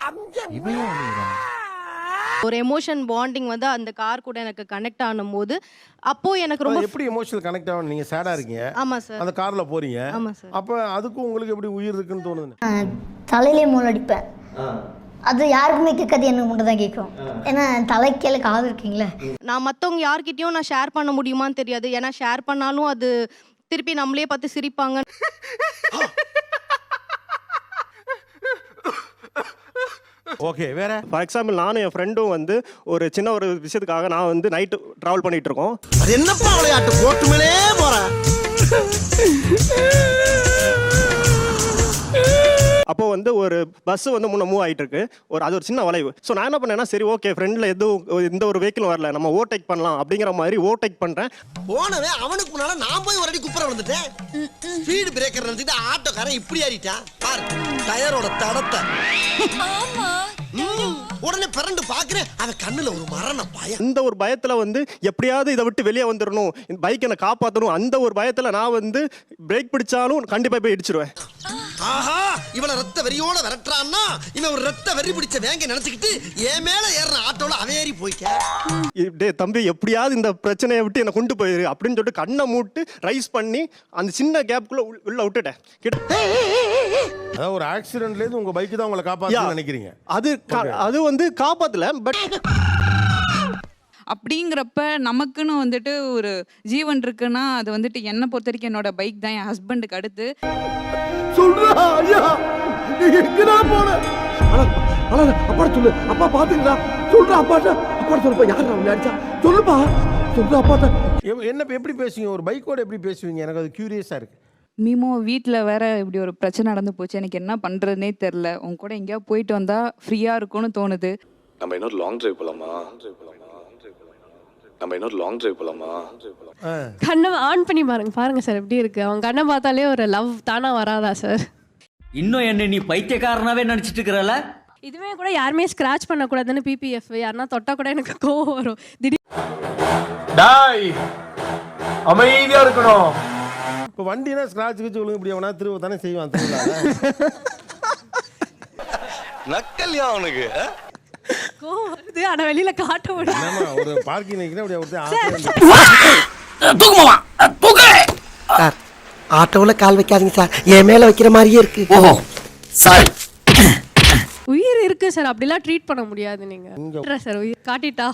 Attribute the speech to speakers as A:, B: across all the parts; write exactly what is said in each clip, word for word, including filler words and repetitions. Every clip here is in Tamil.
A: ஒரு எமோஷன் பாண்டிங் வந்து அந்த கார் கூட எனக்கு கனெக்ட் ஆனும்போது அப்போ எனக்கு ரொம்ப
B: எப்படி எமோஷனல் கனெக்ட் ஆகும்? நீங்க சேடா இருக்கீங்க,
A: ஆமா சார்,
B: அந்த கார்ல போறீங்க,
A: ஆமா சார்.
B: அப்ப அதுக்கு உங்களுக்கு எப்படி உயிர் இருக்குன்னு தோணுது?
C: தலையிலே மூல் அடிப்பேன். அது யாருக்குமே கேட்காது, எனக்கு மட்டும் தான் கேட்கும். ஏன்னா தலைக்கீழ காது இருக்கீங்களே.
A: நான் மற்றவங்க யார்கிட்டயும் நான் ஷேர் பண்ண முடியுமான்னு தெரியாது. ஏன்னா ஷேர் பண்ணாலும் அது திருப்பி நம்மளே பார்த்து சிரிப்பாங்க.
B: ஓகே, வேற
D: ஃபார் எக்ஸாம்பிள் நானும் என் ஃப்ரெண்டும் வந்து ஒரு சின்ன ஒரு விஷயத்துக்காக நான் வந்து நைட்டு ட்ராவல் பண்ணிட்டு இருக்கோம்.
E: அது என்னப்பா விளையாட்டு போட்டு மேலே போறேன்.
D: அப்போ வந்து ஒரு பஸ் வந்து முன்ன மூவ் ஆகிட்டு இருக்கு, ஒரு அது ஒரு சின்ன வளைவு. ஸோ நான் என்ன பண்ணேன்னா, சரி ஓகே ஃப்ரெண்டில் எதுவும் எந்த ஒரு வெஹிக்கிளும் வரல, நம்ம ஓவர்டேக் பண்ணலாம் அப்படிங்கிற மாதிரி ஓவர்டேக் பண்ணுறேன்.
E: போனவே அவனுக்கு முன்னால நான் போய் ஒரு அடி குப்புற வந்துட்டேன். ஸ்பீடு பிரேக்கர் நினைச்சிட்டு ஆட்டோக்காரன் இப்படி ஆடிட்டான் பாரு டயரோட தடத்தை. உடனே பிறண்டு பாக்குறேன், அவன் கண்ணுல ஒரு மரண பயம்.
D: இந்த ஒரு பயத்துல வந்து எப்படியாவது இதை விட்டு வெளியே வந்துடணும், இந்த பைக் என்னை காப்பாற்றணும், அந்த ஒரு பயத்துல நான் வந்து பிரேக் பிடிச்சாலும் கண்டிப்பா போய் இடிச்சிருவேன்.
E: ஆஹா, இவனை ரத்த வெறியோட விரட்டுறான்னா இவன் ஒரு ரத்த வெறி பிடிச்ச வேங்க நினைச்சுக்கிட்டு என் மேல ஏறின ஆட்டோல அவன் ஏறி போய்க்க.
D: டே தம்பி, எப்படியாவது இந்த பிரச்சனையை விட்டு என்னை கொண்டு போயிரு அப்படின்னு சொல்லிட்டு கண்ணை மூட்டு ரைஸ் பண்ணி அந்த சின்ன கேப்புக்குள்ள உள்ள விட்டுட்டேன்.
B: அதாவது ஒரு ஆக்சிடென்ட்ல இருந்து உங்க பைக் தான் உங்களை காப்பாத்துன்னு நினைக்கிறீங்க.
D: அது அது வந்து காப்பாத்தல, பட்
F: அப்படிங்கிறப்ப நமக்குன்னு வந்துட்டு ஒரு ஜீவன் இருக்குன்னா அது வந்துட்டு என்னை பொறுத்த வரைக்கும் என்னோட பைக் தான், என் ஹஸ்பண்டுக்கு அடுத்து.
E: சொல்றா ஐயா, நீ எங்கடா போற? அட அட அப்பா சொல்லு, அப்பா பாத்துங்கடா. சொல்றா அப்பாட்ட, அப்பா சொல்லுப்பா, யாரா உன்னை அடிச்சா சொல்லுப்பா, சொல்றா அப்பாட்ட.
B: என்ன எப்படி பேசுவீங்க? ஒரு பைக்கோட எப்படி பேசுவீங்க? எனக்கு அது கியூரியஸா இருக்கு.
F: மீமோ வீட்டில் வேற இப்படி ஒரு பிரச்சனை நடந்து போச்சு, எனக்கு என்ன பண்ணுறதுனே தெரில. உன் கூட எங்கேயாவது போயிட்டு வந்தால் ஃப்ரீயாக இருக்கும்னு தோணுது.
G: நம்ம இன்னொரு லாங் டிரைவ் போலாமா? நம்ம இன்னொரு லாங் டிரைவ் போலாமா?
H: கண்ணை ஆன் பண்ணி பாருங்க பாருங்க சார், எப்படி இருக்கு? அவங்க கண்ணை பார்த்தாலே ஒரு லவ் தானா வராதா சார்?
I: இன்னும் என்ன நீ பைத்தியக்காரனாவே நினைச்சிட்டு இருக்கிறல?
H: இதுவே கூட யாருமே ஸ்கிராச் பண்ணக்கூடாதுன்னு பிபிஎஃப், யாருன்னா தொட்டா கூட எனக்கு கோவம் வரும். திடீர்
J: டாய் அமைதியா இருக்கணும்.
B: இப்போ வண்டினா ஸ்கிராட்ச் கிச்சு விழுங்க இப்படி அவனா திரும்ப தானே செய்வான்.
G: நக்கல்யா அவனுக்கு
H: கோவம் வருது, ஆனா வெளியில காட்ட முடியல.
B: ஒரு பார்க்கிங் நிக்கிறேன் அப்படியே ஒருத்தன்
E: சார், ஆட்டோல கால் வைக்காதீங்க சார், என் மேல வைக்கிற மாதிரியே இருக்கு. ஓஹோ சாரி.
H: உயிர் இருக்கு சார், அப்படிலாம் ட்ரீட் பண்ண முடியாது. நீங்க சார் உயிர் காட்டிட்டா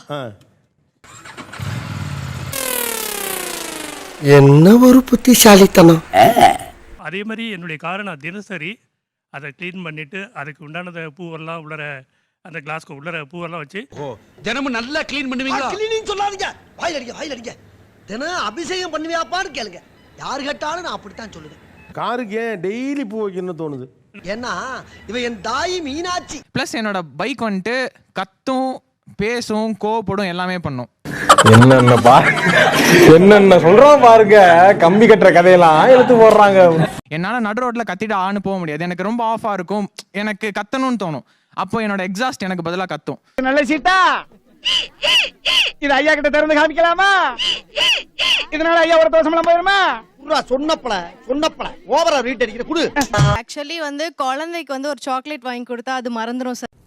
E: என்ன ஒரு புத்திசாலித்தனம்.
K: அதே மாதிரி என்னுடைய காரை நான் தினசரி அதை க்ளீன் பண்ணிட்டு அதுக்கு உண்டானத பூவெல்லாம் உள்ளர அந்த கிளாஸ்க்கு உள்ளர பூவெல்லாம் வச்சு
E: தினமும் நல்லா க்ளீன் பண்ணுவீங்களா? க்ளீனிங் சொல்லாதீங்க, வாயில் அடிங்க வாயில் அடிங்க. தினம் அபிஷேகம் பண்ணுவியாப்பான்னு கேளுங்க, யாரு கேட்டாலும் நான் அப்படித்தான் சொல்லுவேன்.
B: காருக்கு ஏன் டெய்லி பூ வைக்கணும்னு தோணுது?
E: ஏன்னா இவன் என் தாய் மீனாட்சி.
L: ப்ளஸ் என்னோட பைக் வந்துட்டு கத்தும், பேசும், கோவப்படும், எல்லாமே பண்ணும்.
J: என்னென்ன பா என்னென்ன சொல்றோம் பாருங்க, கம்பி கட்டுற கதையெல்லாம் எடுத்து போடுறாங்க.
L: என்னால நடு ரோட்ல கத்திட்டு ஆன்னு போக முடியாது, எனக்கு ரொம்ப ஆஃபா இருக்கும், எனக்கு கத்தணும்னு தோணும். அப்போ என்னோட எக்ஸாஸ்ட் எனக்கு பதிலா கத்தும்.
J: நல்ல சீட்டா இது ஐயா கிட்ட திறந்து காமிக்கலாமா? இதனால ஐயாவோட தோசமெல்லாம் போயிருமா?
E: சொன்னப்பல சொன்னப்பல ஓவரா ரீட் அடிக்கிற குடு.
A: ஆக்சுவலி வந்து குழந்தைக்கு வந்து ஒரு சாக்லேட் வாங்கி கொடுத்தா அது மறந்துடும் சார்.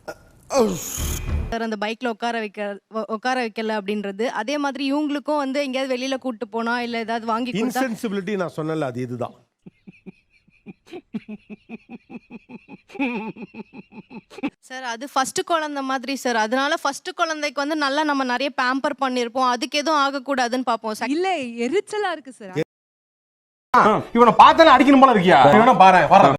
A: சார் அந்த பைக்ல உட்கார வைக்க உட்கார வைக்கல அப்படின்றது. அதே மாதிரி இவங்களுக்கும் வந்து எங்கேயாவது வெளியில கூட்டு போனா இல்ல ஏதாவது வாங்கி கொடுத்தா
B: இன்சென்சிபிலிட்டி நான் சொன்னல, அது இதுதான்.
A: சார் அது ஃபர்ஸ்ட் குழந்தை மாதிரி சார், அதனால ஃபர்ஸ்ட் குழந்தைக்கு வந்து நல்லா நம்ம நிறைய பேம்பர் பண்ணிருப்போம், அதுக்கு எதுவும் ஆகக்கூடாதுன்னு பார்ப்போம் சார்.
F: இல்ல எரிச்சலா இருக்கு சார்.
J: இவனை பார்த்தாலே அடிக்கணும் போல இருக்கியா? இவனை பாரு.